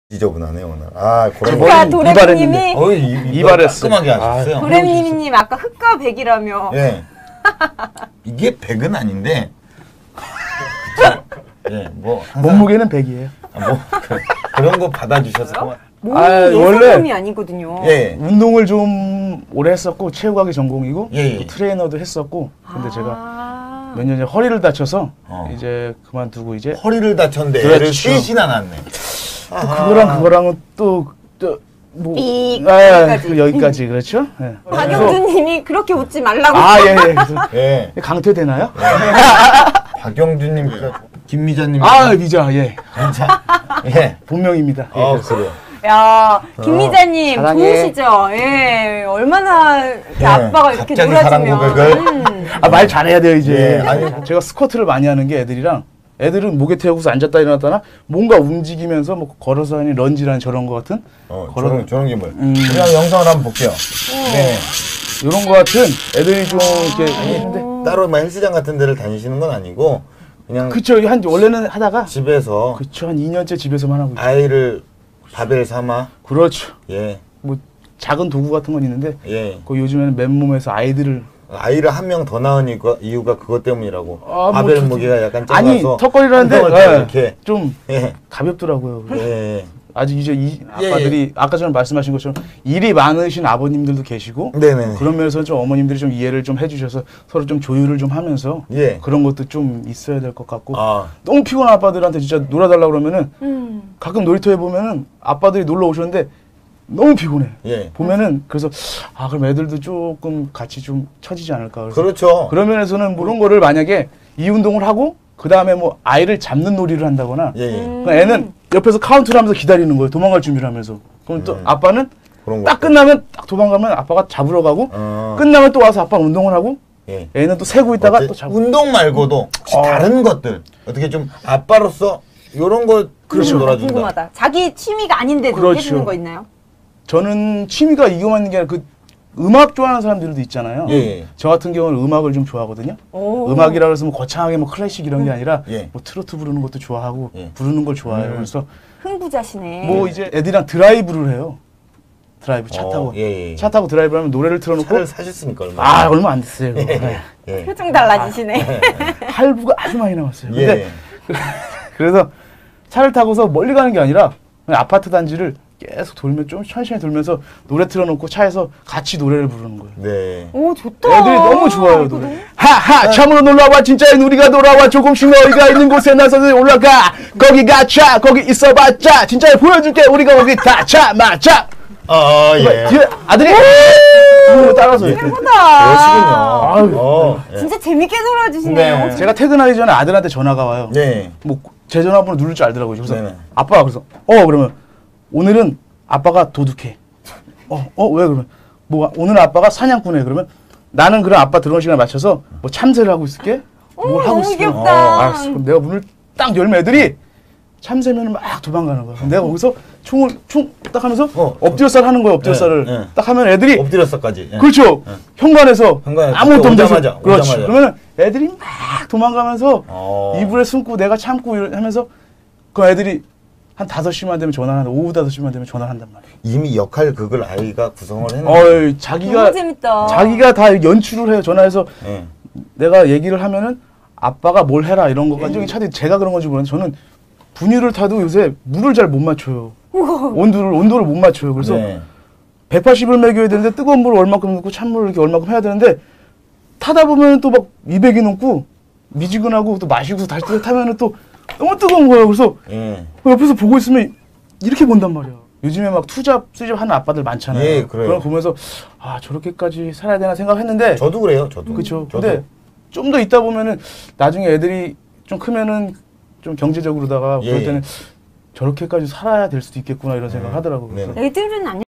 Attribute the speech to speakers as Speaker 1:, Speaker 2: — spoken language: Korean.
Speaker 1: 지저분하네요 오늘. 아,
Speaker 2: 아까 도레미님이
Speaker 1: 이발했어. 깔끔하게 하셨어요.
Speaker 2: 도레미님 아까 흑과 백이라며.
Speaker 1: 예. 이게 백은 아닌데. 예, 뭐
Speaker 3: 몸무게는 100이에요.
Speaker 1: 뭐 그런 거 받아주셔서.
Speaker 2: 몸이 예사몸이 아니거든요.
Speaker 1: 예.
Speaker 3: 운동을 좀 오래 했었고 체육학이 전공이고
Speaker 1: 예.
Speaker 3: 트레이너도 했었고 근데 제가 몇 년 전에 허리를 다쳐서 이제 그만두고 이제
Speaker 1: 허리를 다쳤는데
Speaker 3: 그렇죠.
Speaker 1: 애를 쉬진 않았네.
Speaker 3: 또 그거랑은 뭐 여기까지 그렇죠? 네.
Speaker 2: 박영준님이 그렇게 웃지 말라고.
Speaker 3: 예. 그래서
Speaker 1: 예.
Speaker 3: 강퇴되나요?
Speaker 1: 박영준님, 김미자님.
Speaker 3: 미자 예.
Speaker 1: 진짜. 예.
Speaker 3: 본명입니다.
Speaker 1: 그래요.
Speaker 2: 야, 김미자님
Speaker 3: 사랑해.
Speaker 2: 좋으시죠? 예, 얼마나 이렇게 아빠가 이렇게
Speaker 1: 갑자기
Speaker 2: 놀아주면.
Speaker 1: 사랑 고백을?
Speaker 3: 말 잘해야 돼요 이제.
Speaker 1: 예, 아니.
Speaker 3: 제가 스쿼트를 많이 하는 게 애들은 목에 태우고서 앉았다 일어났다나 뭔가 움직이면서 뭐 걸어서 하는 런지라는 저런 거 같은
Speaker 1: 저런 기물. 그냥 영상을 한번 볼게요. 네.
Speaker 3: 이런 거 같은 애들이 좀 이렇게 했는데
Speaker 1: 따로 막 헬스장 같은 데를 다니시는 건 아니고 그냥
Speaker 3: 그쵸 원래는 하다가
Speaker 1: 집에서
Speaker 3: 그쵸 한 2년째 집에서만 하고 있죠.
Speaker 1: 아이를 바벨 삼아.
Speaker 3: 그렇죠.
Speaker 1: 예.
Speaker 3: 뭐 작은 도구 같은 건 있는데
Speaker 1: 예.
Speaker 3: 그 요즘에는 맨몸에서 아이를
Speaker 1: 한 명 더 낳은 이유가 그것 때문이라고.
Speaker 3: 뭐
Speaker 1: 바벨 무게가 약간 작아서
Speaker 3: 아니 턱걸이라는데
Speaker 1: 이렇게
Speaker 3: 좀
Speaker 1: 예.
Speaker 3: 가볍더라고요.
Speaker 1: 예.
Speaker 3: 아직 이제 아빠들이 아까 전에 말씀하신 것처럼 일이 많으신 아버님들도 계시고
Speaker 1: 네네.
Speaker 3: 그런 면에서 좀 어머님들이 좀 이해를 좀 해주셔서 서로 좀 조율을 좀 하면서
Speaker 1: 예.
Speaker 3: 그런 것도 좀 있어야 될 것 같고
Speaker 1: 아.
Speaker 3: 너무 피곤한 아빠들한테 진짜 놀아달라고 그러면은 가끔 놀이터에 보면은 아빠들이 놀러 오셨는데 너무 피곤해.
Speaker 1: 예.
Speaker 3: 보면은 그래서 그럼 애들도 조금 같이 좀 처지지 않을까. 그래서
Speaker 1: 그렇죠.
Speaker 3: 그런 면에서는 뭐 그런 거를 만약에 이 운동을 하고 그 다음에 뭐 아이를 잡는 놀이를 한다거나
Speaker 1: 예.
Speaker 3: 그러니까 애는 옆에서 카운트를 하면서 기다리는 거예요. 도망갈 준비를 하면서. 그럼 또 아빠는
Speaker 1: 그런
Speaker 3: 딱
Speaker 1: 것도.
Speaker 3: 끝나면 딱 도망가면 아빠가 잡으러 가고 끝나면 또 와서 아빠가 운동을 하고
Speaker 1: 예.
Speaker 3: 애는 또 세고 있다가 또 잡고.
Speaker 1: 운동 말고도 혹시 다른 것들 어떻게 좀 아빠로서 이런 거
Speaker 3: 그렇죠.
Speaker 1: 놀아준다.
Speaker 2: 궁금하다. 자기 취미가 아닌데도
Speaker 3: 그렇죠.
Speaker 2: 해주는 거 있나요?
Speaker 3: 저는 취미가 이거만 있는 게 아니라 음악 좋아하는 사람들도 있잖아요.
Speaker 1: 예.
Speaker 3: 저 같은 경우는 음악을 좀 좋아하거든요. 음악이라 해서 뭐 거창하게 뭐 클래식 이런 게 아니라
Speaker 1: 예.
Speaker 3: 뭐 트로트 부르는 것도 좋아하고
Speaker 1: 예.
Speaker 3: 부르는 걸 좋아해요. 그래서
Speaker 2: 흥부자시네.
Speaker 3: 뭐 이제 애들이랑 드라이브를 해요. 드라이브 차 타고
Speaker 1: 예.
Speaker 3: 차 타고 드라이브를 하면 노래를 틀어놓고
Speaker 1: 차를 사셨으니까 얼마.
Speaker 3: 얼마 안 됐어요. 그거. 네.
Speaker 1: 예.
Speaker 2: 표정 달라지시네.
Speaker 3: 할부가 아주 많이 나왔어요.
Speaker 1: 예.
Speaker 3: 근데 그래서 차를 타고서 멀리 가는 게 아니라 그냥 아파트 단지를 계속 좀 천천히 돌면서 노래 틀어놓고 차에서 같이 노래를 부르는 거예요.
Speaker 1: 네.
Speaker 2: 오, 좋다.
Speaker 3: 애들이 너무 좋아요, 노래. 하하, 참으로 놀러와, 진짜인 우리가 돌아와, 조금씩 너희가 있는 곳에 나서서 올라가. 거기 가자, 거기 있어봤자, 진짜 보여줄게, 우리가 거기 다 참아자.
Speaker 1: 예.
Speaker 3: 뒤에 아들이 따라서 이렇게.
Speaker 2: 예쁘다.
Speaker 1: 그러시군요.
Speaker 2: 진짜 재밌게 놀아주시네요.
Speaker 1: 네.
Speaker 3: 제가 퇴근하기 전에 아들한테 전화가 와요.
Speaker 1: 네.
Speaker 3: 뭐 제 전화번호 누를 줄 알더라고요. 그래서
Speaker 1: 네네.
Speaker 3: 아빠가 그래서 그러면 오늘은 아빠가 도둑해. 왜 그러면 뭐 오늘 아빠가 사냥꾼해. 그러면 나는 그럼 아빠 들어오는 시간에 맞춰서 뭐 참새를 하고 있을게. 뭘 하고
Speaker 2: 너무
Speaker 3: 있어.
Speaker 2: 귀엽다.
Speaker 3: 알았어. 그럼 내가 문을 딱 열면 애들이 참새면은 막 도망가는 거야. 그럼 내가 거기서 총 딱 하면서 엎드려살 하는 거야. 엎드려살을
Speaker 1: 네.
Speaker 3: 딱 하면 애들이
Speaker 1: 엎드렸어까지. 예.
Speaker 3: 그렇죠. 현관에서 아무것도 없는 데서 그렇지.
Speaker 1: 오자마자.
Speaker 3: 그러면 애들이 막 도망가면서 이불에 숨고 내가 참고 하면서 그 애들이 한 5시만 되면 전화를 한다. 오후 5시만 되면 전화를 한단 말이에요.
Speaker 1: 이미 역할극을 아이가 구성을 했는데.
Speaker 2: 너무 재밌다.
Speaker 3: 자기가 다 연출을 해요. 전화해서
Speaker 1: 예.
Speaker 3: 내가 얘기를 하면은 아빠가 뭘 해라 이런 것까지 차라리 제가 그런 건지 모르는데 저는 분유를 타도 요새 물을 잘 못 맞춰요. 온도를 못 맞춰요. 그래서
Speaker 1: 네.
Speaker 3: 180을 먹여야 되는데 뜨거운 물을 얼마큼 넣고 찬물을 이렇게 얼마큼 해야 되는데 타다 보면 또 막 200이 넘고 미지근하고 또 마시고 다시 타면은 또 너무 뜨거운 거예요. 그래서
Speaker 1: 예.
Speaker 3: 옆에서 보고 있으면 이렇게 본단 말이야. 요즘에 막 투잡, 수잡 하는 아빠들 많잖아요.
Speaker 1: 예, 그래요.
Speaker 3: 그걸 보면서 저렇게까지 살아야 되나 생각했는데
Speaker 1: 저도 그래요. 저도.
Speaker 3: 그렇죠. 근데 좀 더 있다 보면은 나중에 애들이 좀 크면은 좀 경제적으로다가 그럴 때는 저렇게까지 살아야 될 수도 있겠구나 이런 생각 하더라고요.
Speaker 1: 네.
Speaker 2: 애들은 안